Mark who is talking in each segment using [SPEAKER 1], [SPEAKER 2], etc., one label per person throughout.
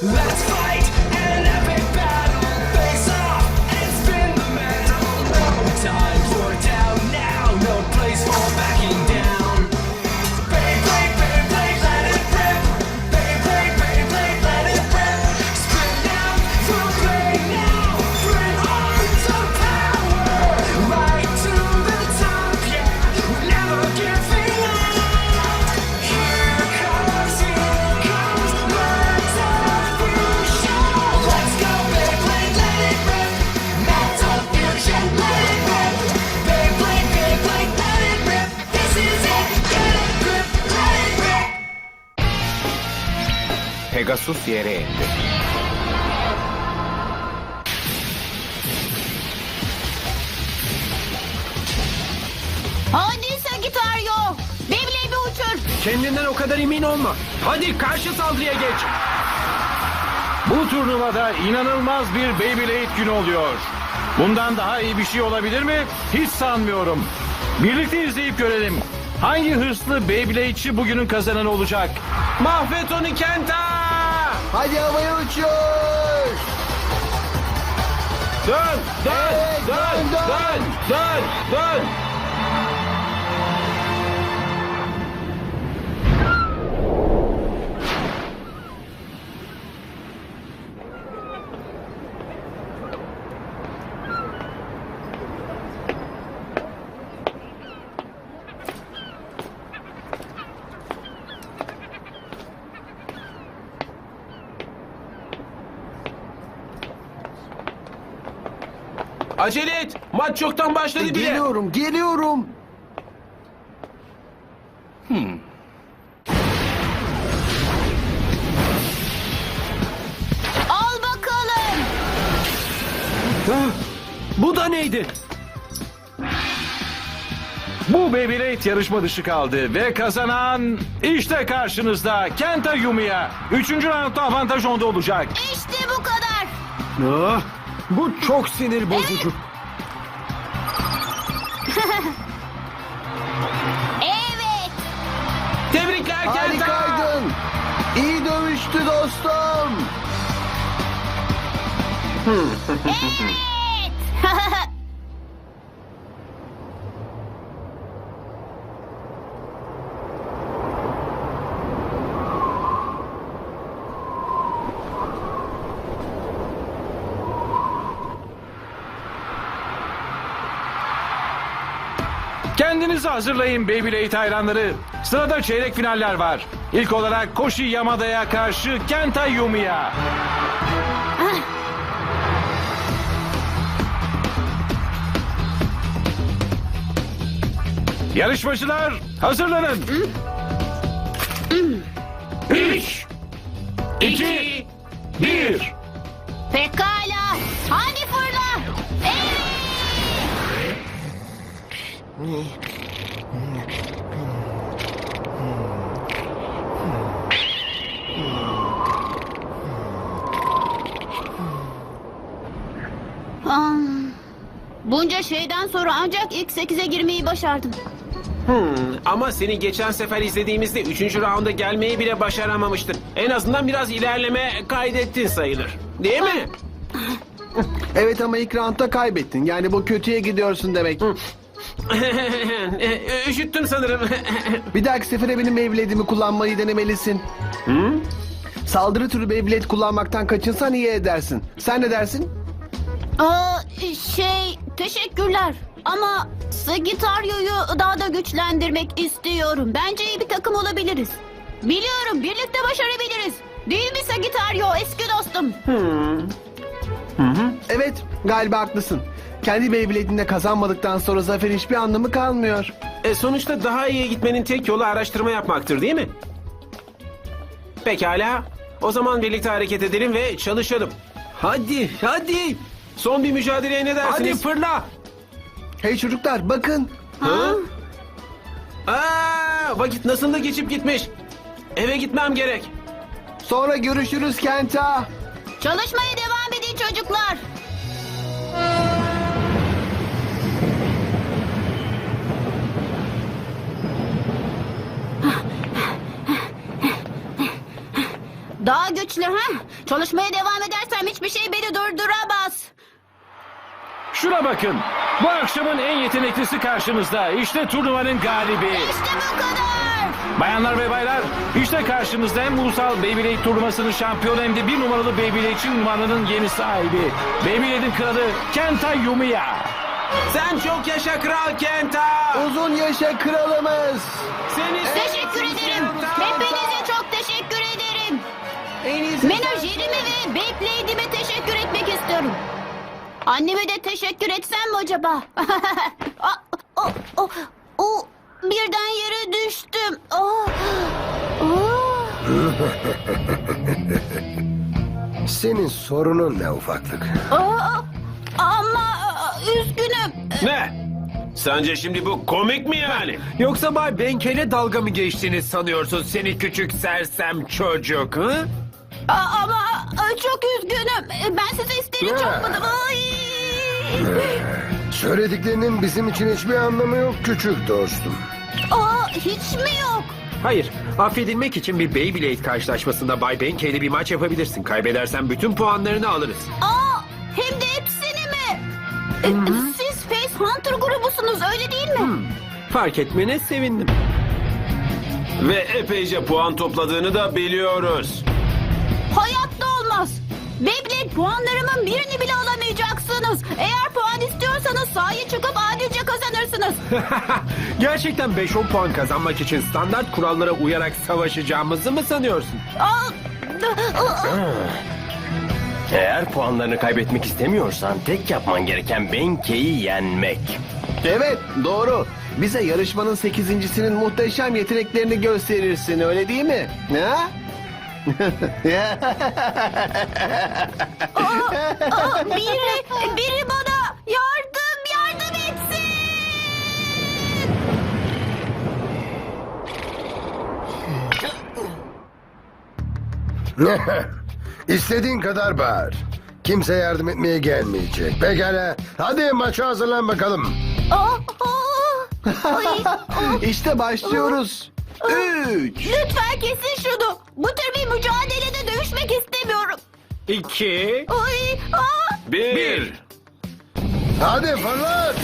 [SPEAKER 1] Let's fight an epic battle. Face off and spin the metal. No time for down now. No place for backing down. Beyblade, Beyblade, let it rip. Beyblade, Beyblade, let it rip. Spin now, full play now. Bring on some power. Right to the top, yeah. We're never giving up. Here comes, let's fusion. Let's go, Beyblade, let it rip. Metal fusion, let it rip. Beyblade, Beyblade, let it rip. This is it, get a grip, let it rip.
[SPEAKER 2] Pegasus yere indi.
[SPEAKER 3] Hadi Sagittario. Beyblade'i uçur.
[SPEAKER 4] Kendinden o kadar emin olma. Hadi karşı saldırıya geç.
[SPEAKER 5] Bu turnuvada inanılmaz bir Beyblade günü oluyor. Bundan daha iyi bir şey olabilir mi? Hiç sanmıyorum. Birlikte izleyip görelim. Hangi hırslı Beyblade'çi bugünün kazananı olacak?
[SPEAKER 4] Mahvet onu Kenta!
[SPEAKER 6] Hadi havaya uçuyor.
[SPEAKER 5] Dön, dön,
[SPEAKER 6] Evet,
[SPEAKER 5] dön,
[SPEAKER 6] dön,
[SPEAKER 5] dön, dön, dön.
[SPEAKER 4] Acele et. Maç çoktan başladı bile.
[SPEAKER 6] Geliyorum, geliyorum.
[SPEAKER 3] Al bakalım.
[SPEAKER 4] Bu da neydi?
[SPEAKER 5] Bu Beyblade yarışma dışı kaldı ve kazanan işte karşınızda Kenta Yumiya. 3. roundda avantaj onda olacak.
[SPEAKER 3] İşte bu kadar.
[SPEAKER 6] Ah, bu çok sinir bozucu.
[SPEAKER 3] Evet.
[SPEAKER 4] Tebrikler Kenta!
[SPEAKER 6] Harikaydın. İyi dövüştü dostum.
[SPEAKER 3] Evet.
[SPEAKER 5] Kendinizi hazırlayın Beyblade hayranları. Sırada çeyrek finaller var. İlk olarak Koshi Yamada'ya karşı Kenta Yumiya. Yarışmacılar hazırlanın. 3, 2, 1.
[SPEAKER 3] Pekala. Hadi fırla. Evet. Bunca şeyden sonra ancak ilk 8'e girmeyi başardım.
[SPEAKER 4] Ama seni geçen sefer izlediğimizde 3. raunda gelmeyi bile başaramamıştın. En azından biraz ilerleme kaydettin sayılır. Değil mi?
[SPEAKER 6] Evet ama ilk roundda kaybettin. Yani bu kötüye gidiyorsun demek.
[SPEAKER 4] Üşüttüm sanırım.
[SPEAKER 6] Bir dahaki sefere benim Beyblade'imi kullanmayı denemelisin. Saldırı türü Beyblade kullanmaktan kaçınsan iyi edersin. Sen ne dersin?
[SPEAKER 3] Teşekkürler. Ama Sagittario'yu daha da güçlendirmek istiyorum. Bence iyi bir takım olabiliriz. Biliyorum, birlikte başarabiliriz. Değil mi Sagittario, eski dostum?
[SPEAKER 6] Evet, galiba haklısın. Kendi Beyblade'inde kazanmadıktan sonra zaferin hiçbir anlamı kalmıyor.
[SPEAKER 4] Sonuçta daha iyi gitmenin tek yolu araştırma yapmaktır değil mi? Pekala. O zaman birlikte hareket edelim ve çalışalım. Hadi, hadi. Son bir mücadeleye ne dersiniz? Hadi fırla.
[SPEAKER 6] Hey çocuklar bakın.
[SPEAKER 4] Vakit nasıl da geçip gitmiş. Eve gitmem gerek.
[SPEAKER 6] Sonra görüşürüz Kenta.
[SPEAKER 3] Çalışmaya devam edin çocuklar. Daha güçlü ha? Çalışmaya devam edersem hiçbir şey beni durduramaz.
[SPEAKER 5] Şuna bakın. Bu akşamın en yeteneklisi karşınızda. İşte turnuvanın galibi.
[SPEAKER 3] İşte bu kadar.
[SPEAKER 5] Bayanlar ve baylar, işte karşınızda hem ulusal Beyblade turnuvasının şampiyonu hem de 1 numaralı Beyblade'çi ünvanının yeni sahibi. Beyblade'in kralı Kenta Yumiya.
[SPEAKER 4] Sen çok yaşa Kral Kenta.
[SPEAKER 6] Uzun yaşa kralımız.
[SPEAKER 4] Seni
[SPEAKER 3] Teşekkür ederim. Hepinize çok teşekkür ederim.
[SPEAKER 6] En iyisi
[SPEAKER 3] Menajerime ve Beyblade'ime teşekkür etmek istiyorum. Anneme de teşekkür etsem mi acaba? Birden yere düştüm.
[SPEAKER 7] Senin sorunun ne ufaklık?
[SPEAKER 3] Ama üzgünüm.
[SPEAKER 4] Ne? Sence şimdi bu komik mi yani?
[SPEAKER 8] Yoksa Bay Benkel'e dalga mı geçtiğini sanıyorsun seni küçük sersem çocuk? Hı?
[SPEAKER 3] Ama çok üzgünüm. Ben size isteyerek
[SPEAKER 7] Ne?
[SPEAKER 3] yapmadım. Ay.
[SPEAKER 7] Söylediklerinin bizim için hiçbir anlamı yok küçük dostum.
[SPEAKER 3] Hiç mi yok?
[SPEAKER 8] Hayır, affedilmek için bir Beyblade karşılaşmasında Bay Benkel'le bir maç yapabilirsin. Kaybedersen bütün puanlarını alırız.
[SPEAKER 3] Hem de hepsini mi? Siz Face Hunter grubusunuz öyle değil mi?
[SPEAKER 8] Fark etmene sevindim.
[SPEAKER 4] Ve epeyce puan topladığını da biliyoruz.
[SPEAKER 3] Hayatta olmaz. Beyblade puanlarımın birini bile alamayacaksınız. Eğer puan istiyorsanız sahaya çıkıp adilce kazanırsınız.
[SPEAKER 8] Gerçekten 5-10 puan kazanmak için standart kurallara uyarak savaşacağımızı mı sanıyorsun?
[SPEAKER 9] Eğer puanlarını kaybetmek istemiyorsan tek yapman gereken Benkei'yi yenmek.
[SPEAKER 6] Evet, doğru. Bize yarışmanın 8.'sinin muhteşem yeteneklerini gösterirsin, öyle değil mi? Ha?
[SPEAKER 3] Biri bana yardım etsin.
[SPEAKER 7] İstediğin kadar bağır. Kimse yardım etmeye gelmeyecek. Pekala, hadi maça hazırlan bakalım.
[SPEAKER 6] İşte başlıyoruz. 3.
[SPEAKER 3] Lütfen kesin şunu. Bu tür bir mücadelede dövüşmek istemiyorum.
[SPEAKER 4] 2,
[SPEAKER 3] Ay,
[SPEAKER 4] 1.
[SPEAKER 7] Hadi fırlat.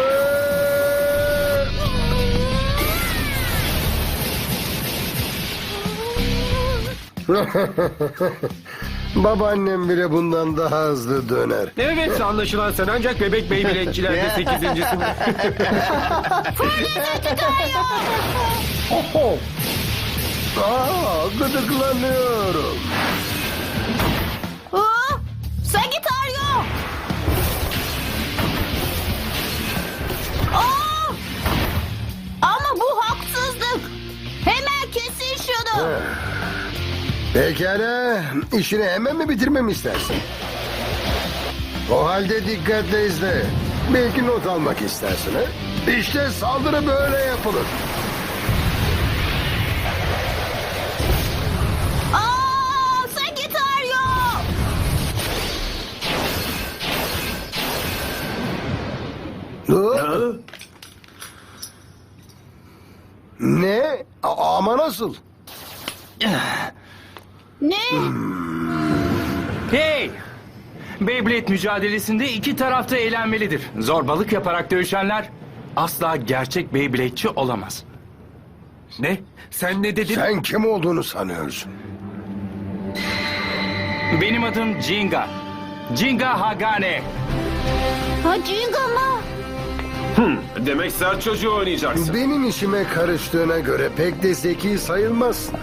[SPEAKER 7] Babaannem bile bundan daha hızlı döner.
[SPEAKER 8] Evet, anlaşılan sen ancak bebek Beyblade'çilerde 8.'sin.
[SPEAKER 7] Gıdıklanıyorum.
[SPEAKER 3] Sagittario. Ama bu haksızlık. Hemen kesin şunu.
[SPEAKER 7] Pekala, işini hemen mi bitirmemi istersin? O halde dikkatle izle. Belki not almak istersin, ha? İşte saldırı böyle yapılır.
[SPEAKER 3] Sagittario.
[SPEAKER 7] Ne? Ama nasıl?
[SPEAKER 3] Ne?
[SPEAKER 5] Hey! Beyblade mücadelesinde iki tarafta eğlenmelidir. Zorbalık yaparak dövüşenler asla gerçek Beyblade'çi olamaz.
[SPEAKER 8] Ne? Sen ne dedin?
[SPEAKER 7] Sen kim olduğunu sanıyorsun?
[SPEAKER 5] Benim adım Jinga. Jinga Hagane.
[SPEAKER 3] Jinga mı?
[SPEAKER 4] Demek sert çocuğu oynayacaksın.
[SPEAKER 7] Benim işime karıştığına göre pek de zeki sayılmazsın.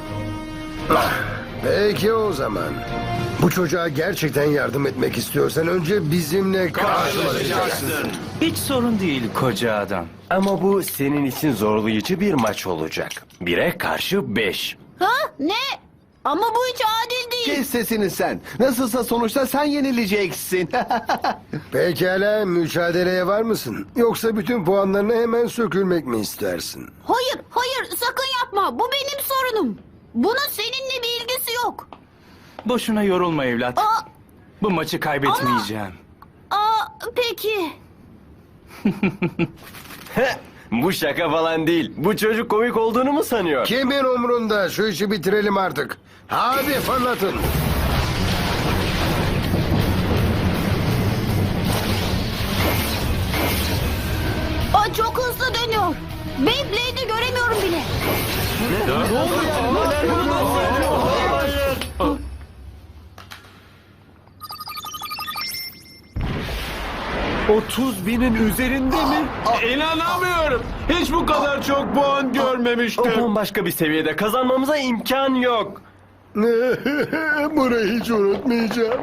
[SPEAKER 7] Peki o zaman. Bu çocuğa gerçekten yardım etmek istiyorsan önce bizimle karşılaşacaksın.
[SPEAKER 5] Hiç sorun değil koca adam.
[SPEAKER 9] Ama bu senin için zorlayıcı bir maç olacak. 1'e karşı 5.
[SPEAKER 3] Ne? Ama bu hiç adil değil.
[SPEAKER 6] Kes sesini sen. Nasılsa sonuçta sen yenileceksin.
[SPEAKER 7] Pekala, mücadeleye var mısın? Yoksa bütün puanlarını hemen sökülmek mi istersin?
[SPEAKER 3] Hayır sakın yapma. Bu benim sorunum. Bunun seninle bir ilgisi yok.
[SPEAKER 5] Boşuna yorulma evlat. Bu maçı kaybetmeyeceğim.
[SPEAKER 3] Peki.
[SPEAKER 9] Bu şaka falan değil. Bu çocuk komik olduğunu mu sanıyor?
[SPEAKER 7] Kimin umrunda? Şu işi bitirelim artık. Hadi fırlatın.
[SPEAKER 3] Aa, çok hızlı dönüyor. Beyblade'i göremiyorum bile.
[SPEAKER 4] İnanamıyorum. Hiç bu kadar çok puan
[SPEAKER 9] O
[SPEAKER 4] görmemiştim.
[SPEAKER 9] bambaşka bir seviyede. Kazanmamıza imkan yok.
[SPEAKER 7] Burayı hiç unutmayacağım.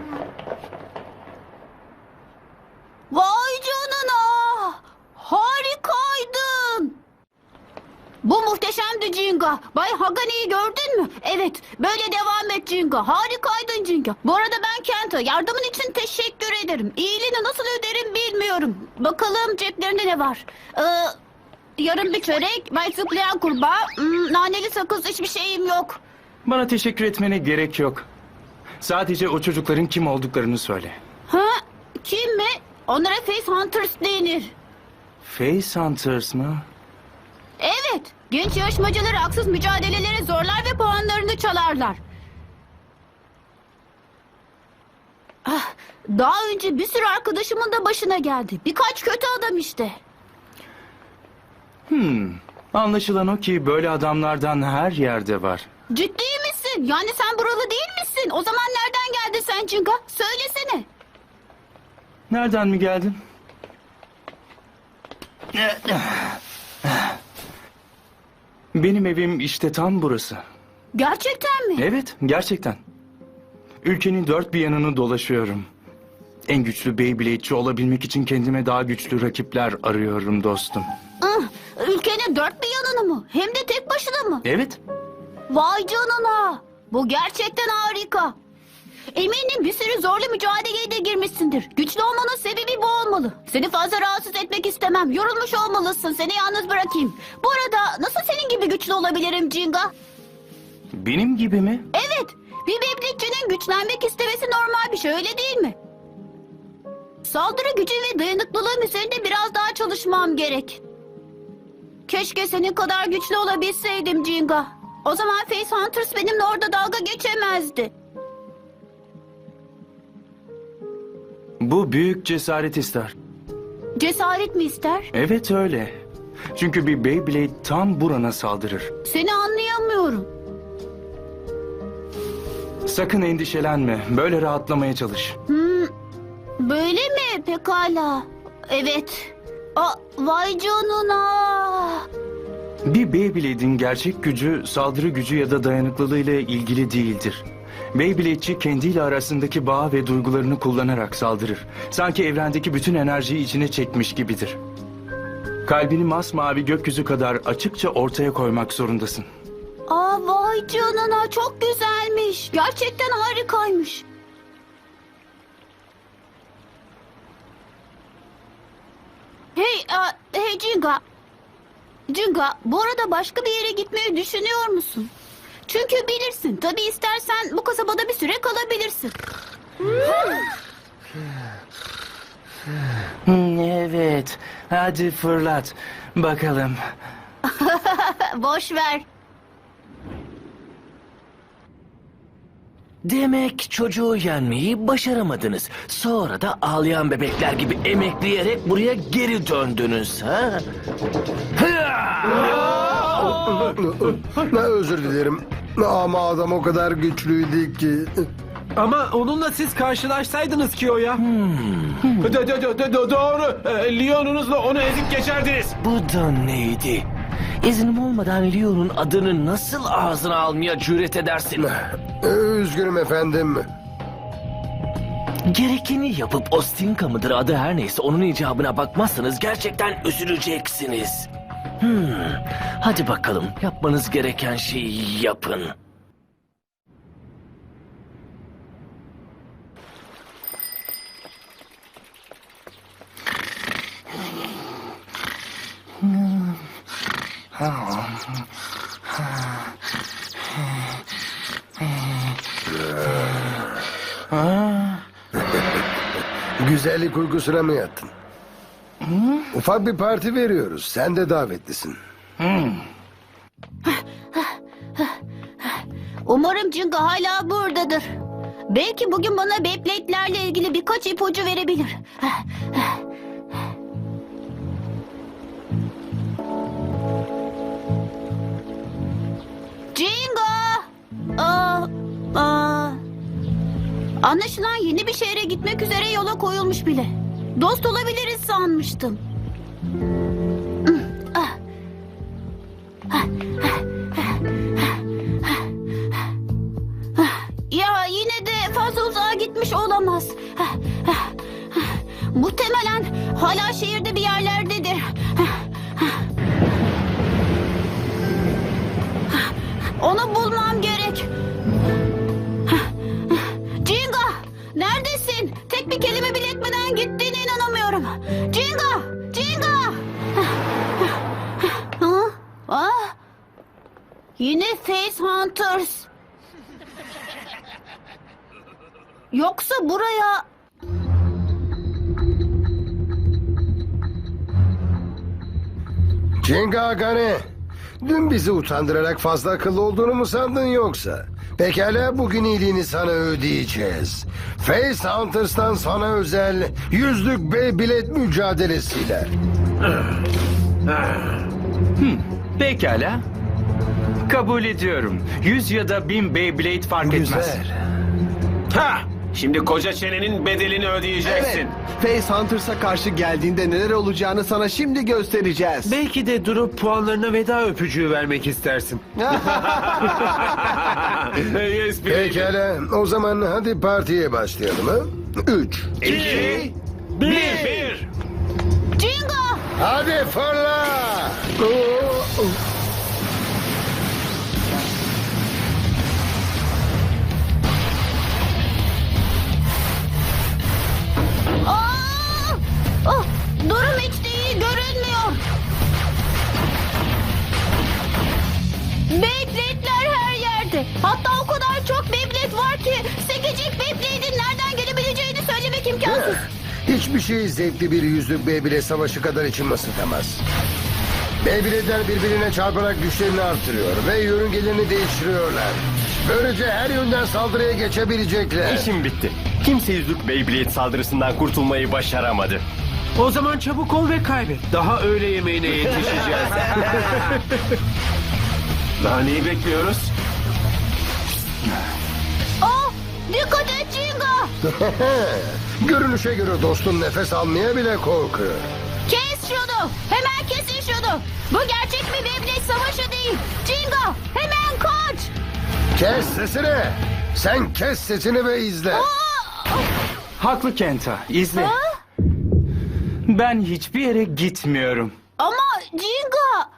[SPEAKER 3] Vay canına. Harikaydın. Bu muhteşemdi Jinga. Bay Hagani'yi gördün mü? Evet. Böyle devam et Jinga. Harikaydın Jinga. Bu arada ben Kenta. Yardımın için teşekkür ederim. İyiliğini nasıl öderim bilmiyorum. Bakalım ceplerinde ne var? Yarım bir çörek, bay zıplayan kurbağa, naneli sakız, hiçbir şeyim yok.
[SPEAKER 5] Bana teşekkür etmene gerek yok. Sadece o çocukların kim olduklarını söyle.
[SPEAKER 3] Ha? Kim mi? Onlara Face Hunters denir.
[SPEAKER 5] Face Hunters mı?
[SPEAKER 3] Evet. Genç yarışmacıları haksız mücadelelere zorlar ve puanlarını çalarlar. Ah, daha önce bir sürü arkadaşımın da başına geldi. Birkaç kötü adam işte.
[SPEAKER 5] Anlaşılan o ki böyle adamlardan her yerde var.
[SPEAKER 3] Ciddi misin? Yani sen buralı değil misin? O zaman nereden geldin sen Cinga? Söylesene.
[SPEAKER 5] Nereden mi geldin? Benim evim işte tam burası.
[SPEAKER 3] Gerçekten mi?
[SPEAKER 5] Evet, gerçekten. Ülkenin dört bir yanını dolaşıyorum. En güçlü Beyblade'ci olabilmek için kendime daha güçlü rakipler arıyorum dostum.
[SPEAKER 3] Ah, ülkenin dört bir yanını mı? Hem de tek başına mı?
[SPEAKER 5] Evet,
[SPEAKER 3] Vay canına. Bu gerçekten harika. Eminim bir sürü zorlu mücadeleye de girmişsindir. Güçlü olmanın sebebi bu olmalı. Seni fazla rahatsız etmek istemem. Yorulmuş olmalısın. Seni yalnız bırakayım. Bu arada nasıl senin gibi güçlü olabilirim Jinga?
[SPEAKER 5] benim gibi mi?
[SPEAKER 3] Evet. Bir Beyblade'cinin güçlenmek istemesi normal bir şey, öyle değil mi? Saldırı gücü ve dayanıklılığım üzerinde biraz daha çalışmam gerek. Keşke senin kadar güçlü olabilseydim Jinga. O zaman Face Hunters benimle orada dalga geçemezdi.
[SPEAKER 5] Bu büyük cesaret ister.
[SPEAKER 3] Cesaret mi ister?
[SPEAKER 5] Evet öyle. Çünkü bir Beyblade tam burana saldırır.
[SPEAKER 3] Seni anlayamıyorum.
[SPEAKER 5] Sakın endişelenme. Böyle rahatlamaya çalış.
[SPEAKER 3] Böyle mi? Pekala. Evet. Vay canına.
[SPEAKER 5] Bir Beyblade'in gerçek gücü saldırı gücü ya da dayanıklılığı ile ilgili değildir. Beyblade'ci kendiyle arasındaki bağ ve duygularını kullanarak saldırır. Sanki evrendeki bütün enerjiyi içine çekmiş gibidir. Kalbini masmavi gökyüzü kadar açıkça ortaya koymak zorundasın.
[SPEAKER 3] Vay canına, çok güzelmiş. Gerçekten harikaymış. Hey Jinga. Jinga, bu arada başka bir yere gitmeyi düşünüyor musun? Çünkü bilirsin, tabii istersen bu kasabada bir süre kalabilirsin.
[SPEAKER 5] Evet, hadi fırlat. Bakalım.
[SPEAKER 3] Boş ver.
[SPEAKER 10] Demek çocuğu yenmeyi başaramadınız. Sonra da ağlayan bebekler gibi emekleyerek buraya geri döndünüz ha?
[SPEAKER 7] Özür dilerim. Ama adam o kadar güçlüydü ki.
[SPEAKER 4] Ama onunla siz karşılaşsaydınız ki o ya. Doğru. Leon'unuzla onu ezip geçerdiniz.
[SPEAKER 10] Bu da neydi? İznim olmadan Leon'un adını nasıl ağzına almaya cüret edersin?
[SPEAKER 7] Üzgünüm efendim.
[SPEAKER 10] Gerekeni yapıp Ostinka mıdır adı her neyse onun icabına bakmazsanız gerçekten üzüleceksiniz. Hadi bakalım yapmanız gereken şeyi yapın.
[SPEAKER 7] Güzellik uykusuna mı yattın? Ufak bir parti veriyoruz. Sen de davetlisin.
[SPEAKER 3] Umarım Jinga hala buradadır. Belki bugün bana Beyblade'lerle ilgili birkaç ipucu verebilir. Jinga! Anlaşılan yeni bir şehre gitmek üzere yola koyulmuş bile. Dost olabiliriz sanmıştım. Ya yine de fazla uzağa gitmiş olamaz. Muhtemelen hala şehirde bir yerlerdedir. Onu bulmam gerek. Jinga! Neredesin? Tek bir kelime bile etmeden gittiğine inanamıyorum. Jinga! Jinga! Yine Face Hunters. Yoksa buraya...
[SPEAKER 7] Jenga Agane. Dün bizi utandırarak fazla akıllı olduğunu mu sandın yoksa? Pekala, bugün iyiliğini sana ödeyeceğiz. Face Hunters'tan sana özel yüzlük Beyblade mücadelesiyle.
[SPEAKER 11] Pekala. Kabul ediyorum. 100 ya da 1000 Beyblade fark etmez.
[SPEAKER 7] Güzel.
[SPEAKER 4] Ha! Şimdi koca çenenin bedelini ödeyeceksin.
[SPEAKER 6] Evet. Face Hunters'a karşı geldiğinde neler olacağını sana şimdi göstereceğiz.
[SPEAKER 8] Belki de durup puanlarına veda öpücüğü vermek istersin.
[SPEAKER 4] Yes,
[SPEAKER 7] Pekala, o zaman hadi partiye başlayalım ha? 3.
[SPEAKER 4] 2, 1.
[SPEAKER 3] Jinga!
[SPEAKER 7] Hadi fırla!
[SPEAKER 3] Durum hiç de iyi görünmüyor. Beyblade'ler her yerde. Hatta o kadar çok Beyblade var ki Sekecik Beyblade'in nereden gelebileceğini söylemek imkansız.
[SPEAKER 7] Hiçbir şey zevkli bir yüzlük Beyblade savaşı kadar içimi ısıtamaz. Beyblade'ler birbirine çarparak güçlerini artırıyor ve yörüngelerini değiştiriyorlar. Böylece her yönden saldırıya geçebilecekler.
[SPEAKER 9] İşim bitti. Kimse yüzlük Beyblade saldırısından kurtulmayı başaramadı.
[SPEAKER 8] O zaman çabuk ol ve kaybet. Daha öğle yemeğine yetişeceğiz.
[SPEAKER 4] Daha neyi bekliyoruz?
[SPEAKER 3] Dikkat et Jinga!
[SPEAKER 7] Görünüşe göre dostun nefes almaya bile korkuyor.
[SPEAKER 3] Kes şunu! Hemen kesin şunu! Bu gerçek bir Beyblade savaşı değil. Jinga! Hemen kaç!
[SPEAKER 7] Kes sesini! Sen kes sesini ve izle.
[SPEAKER 11] Haklı Kenta. İzle.
[SPEAKER 3] Ha?
[SPEAKER 11] Ben hiçbir yere gitmiyorum.
[SPEAKER 3] Ama Jinga!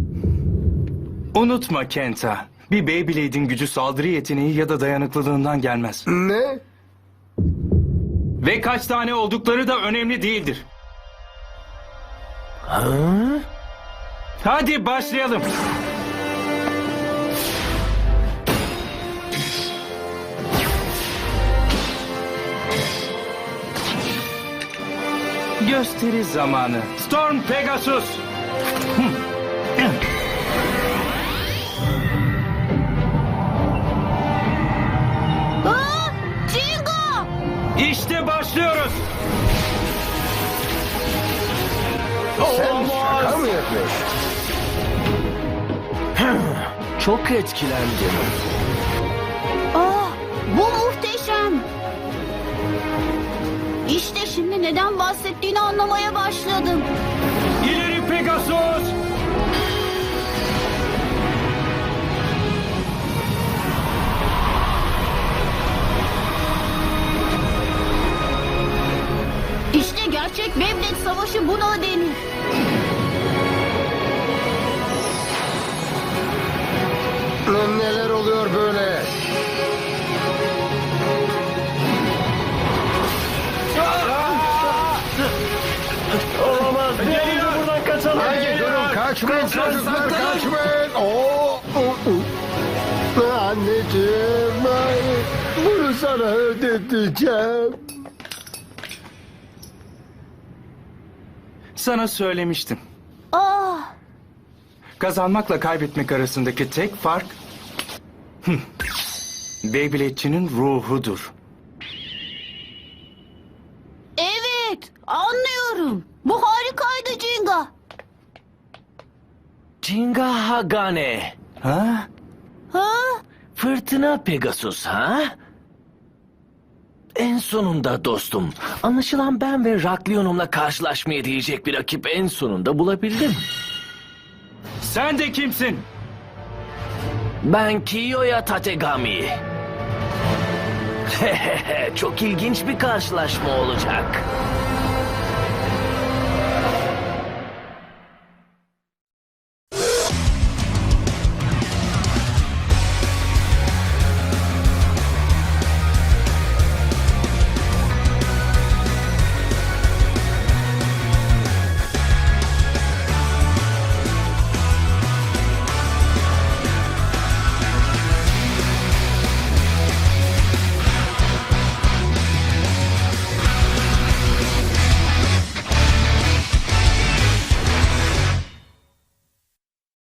[SPEAKER 11] Unutma Kenta. Bir Beyblade'in gücü saldırı yeteneği ya da dayanıklılığından gelmez.
[SPEAKER 7] Ne?
[SPEAKER 11] Ve kaç tane oldukları da önemli değildir. Hadi başlayalım. Gösteri zamanı. Storm Pegasus.
[SPEAKER 3] Jinga!
[SPEAKER 11] İşte başlıyoruz.
[SPEAKER 7] Sen şaka mı yapıyorsun?
[SPEAKER 10] Çok etkilendim.
[SPEAKER 3] Bu muhteşem. İşte şimdi neden bahsettiğini anlamaya başladım.
[SPEAKER 11] İleri Pegasus.
[SPEAKER 3] İşte gerçek Beyblade savaşı buna denir.
[SPEAKER 7] Neler oluyor böyle?
[SPEAKER 9] Olamaz. Gelin buradan kaçalım.
[SPEAKER 7] Hayır durun, kaçmayın çocuklar, kaçmayın. Anneciğim, hayır. Bunu sana ödeteceğim.
[SPEAKER 11] Sana söylemiştim.
[SPEAKER 3] Ah,
[SPEAKER 11] Kazanmakla kaybetmek arasındaki tek fark... Beyblade'çinin ruhudur.
[SPEAKER 3] evet, anlıyorum. Bu harikaydı Jinga.
[SPEAKER 10] Jinga Hagane.
[SPEAKER 11] Ha?
[SPEAKER 3] Ha?
[SPEAKER 10] Fırtına Pegasus ha? En sonunda dostum. Anlaşılan ben ve Raklionum'la karşılaşmaya değecek bir rakip en sonunda bulabildim.
[SPEAKER 11] Sen de kimsin?
[SPEAKER 10] Ben Kiyoya Tategami. Çok ilginç bir karşılaşma olacak.